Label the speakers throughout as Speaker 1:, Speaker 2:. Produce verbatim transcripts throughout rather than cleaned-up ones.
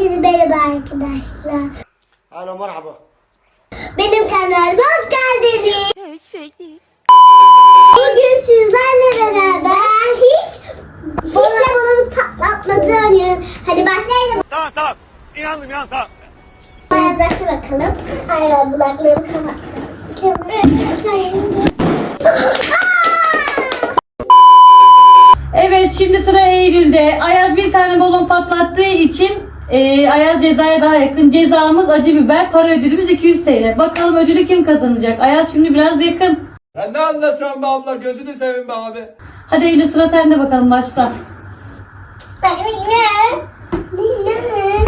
Speaker 1: Herkese merhaba arkadaşlar.
Speaker 2: Alo merhaba.
Speaker 1: Benim kanalıma hoş geldiniz. Bugün sizlerle beraber hiç şişle balonu patlatmadı oynuyoruz. Hadi başlayalım.
Speaker 2: Tamam tamam. İnandım ya tamam.
Speaker 1: Ayazlaşa bakalım. Ayaz kulaklarımı kapattım.
Speaker 3: Evet, şimdi sıra Eylül'de. Ayaz bir tane balon patlattığı için e, Ayaz cezaya daha yakın. Cezamız acı biber, para ödülümüz iki yüz T L. Bakalım ödülü kim kazanacak? Ayaz şimdi biraz yakın.
Speaker 4: Sen ne anlatıyorsun be abla? Gözünü seveyim be abi.
Speaker 3: Hadi Eylül, sıra sende, bakalım başla.
Speaker 1: Yine. Yine.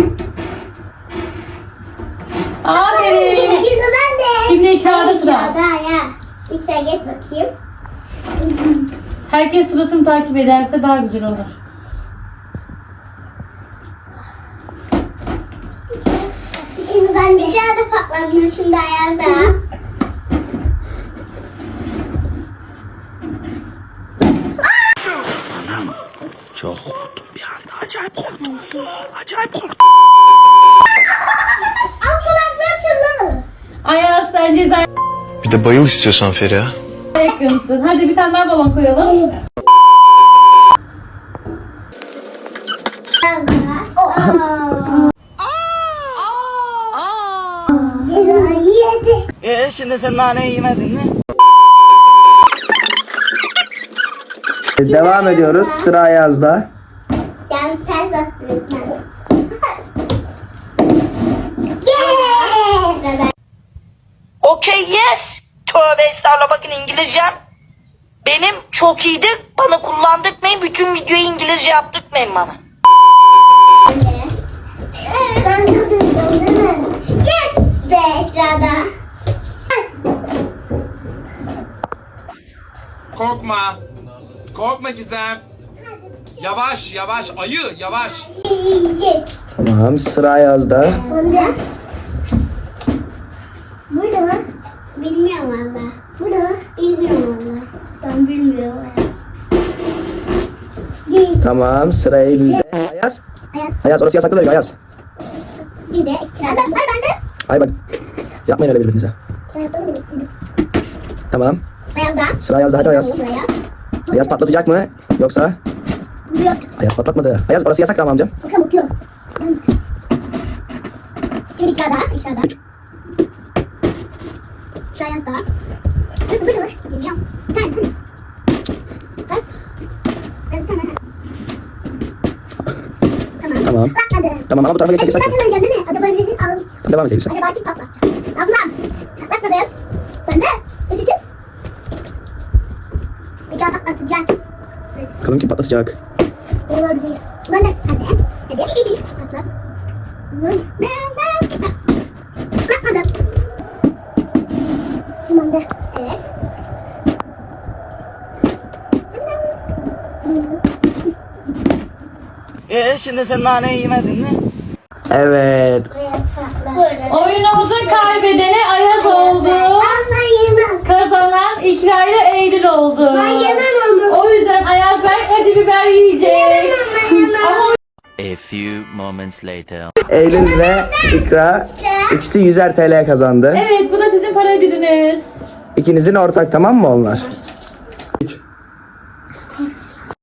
Speaker 3: Aferin.
Speaker 1: Şimdi ben de.
Speaker 3: Şimdi kağıda sıra.
Speaker 1: Kağıda ya. İlk sen geç bakayım.
Speaker 3: Herkes sırasını takip ederse daha güzel olur.
Speaker 1: Şimdi ben de kağıda patladım. Şimdi Ayaz'da.
Speaker 2: Çok korktum bir anda. Acayip korktum. Acayip korktum.
Speaker 1: Al kulaklarım çınlamadı.
Speaker 3: Ayaz, sen cezaya
Speaker 5: Bir de bayıl istiyorsan Feriha.
Speaker 3: yakınsın. Hadi bir tane daha balon koyalım.
Speaker 1: Cezayı yedi.
Speaker 2: Ee şimdi sen naneyi yemedin mi?
Speaker 6: Devam ediyoruz. Sıra Ayaz'da.
Speaker 1: Yani sen bastırıyorsun. Yes!
Speaker 7: Okay yes. Tövbe estağfurullah, bakın İngilizcem benim çok iyiydi. Bana kullandırmayın. Bütün videoyu İngilizce yaptırmayın bana.
Speaker 1: Ben kazandım değil mi? Yes! De ekranda.
Speaker 4: Korkma. Korkma Gizem. Yavaş yavaş ayı yavaş.
Speaker 1: Yiyecek.
Speaker 6: Tamam. Sıra Ayaz'da.
Speaker 1: Bunda. Burada mı? Bilmiyorum valla. Burada mı? Bilmiyorum valla. Ben bilmiyorum. Yes.
Speaker 6: Tamam. Sıra Eylül'de. Ayaz.
Speaker 1: Ayaz.
Speaker 6: Ayaz orası yasaklı bölge Ayaz.
Speaker 1: Şimdi ekranda. Var bende.
Speaker 6: Ay bak. Yapmayın öyle birbirinize.
Speaker 1: Ayazımı biriktirdim.
Speaker 6: Tamam.
Speaker 1: Ayazda.
Speaker 6: Sıra Ayaz'da. Hadi Ayaz.
Speaker 1: Buraya.
Speaker 6: Ayaz patlatacak mı? Yoksa?
Speaker 1: Buraya.
Speaker 6: Ayaz patlatmadı. Ayaz orası yasak tamam amcam.
Speaker 1: Bakalım bakıyorum. Şimdi içeride. İçeride.
Speaker 6: Üç.
Speaker 1: Şu Ayazda. Burada burada var. Bilmiyorum. Bir tane tane. Kaç? Bir tane. Tamam.
Speaker 6: Tamam.
Speaker 1: Patladı.
Speaker 6: Tamam ama bu tarafa
Speaker 1: Ben
Speaker 6: geçmek yasak.
Speaker 1: kazanacağım değil mi? Acaba birinin al.
Speaker 6: Devam edelim sen.
Speaker 1: Acaba kim patlatacak? Ablam. Patlatmadım. Ben de. Üç iki. Bir daha patlatacak.
Speaker 6: Bakalım kim patlatacak.
Speaker 1: Olur diye. Ben de. Hadi. Hadi. Patlat. Patlatmadım. Ben de. Evet.
Speaker 2: Ee şimdi sen naneyi yemedin mi?
Speaker 6: Evet.
Speaker 1: Buraya patlat.
Speaker 3: Oyunumuzun kaybedeni Ayaz oldu.
Speaker 1: Ben yemem.
Speaker 3: Kazanan İkra ile Eylül oldu.
Speaker 1: Ben yemem onu.
Speaker 3: O yüzden Ayaz belki acı biber yiyecek.
Speaker 1: Ben yemem.
Speaker 3: Ama
Speaker 5: A few moments later.
Speaker 6: Eylül ve İkra ikisi yüzer T L kazandı.
Speaker 3: evet, bu da sizin para ödülünüz.
Speaker 6: İkinizin ortak tamam mı onlar?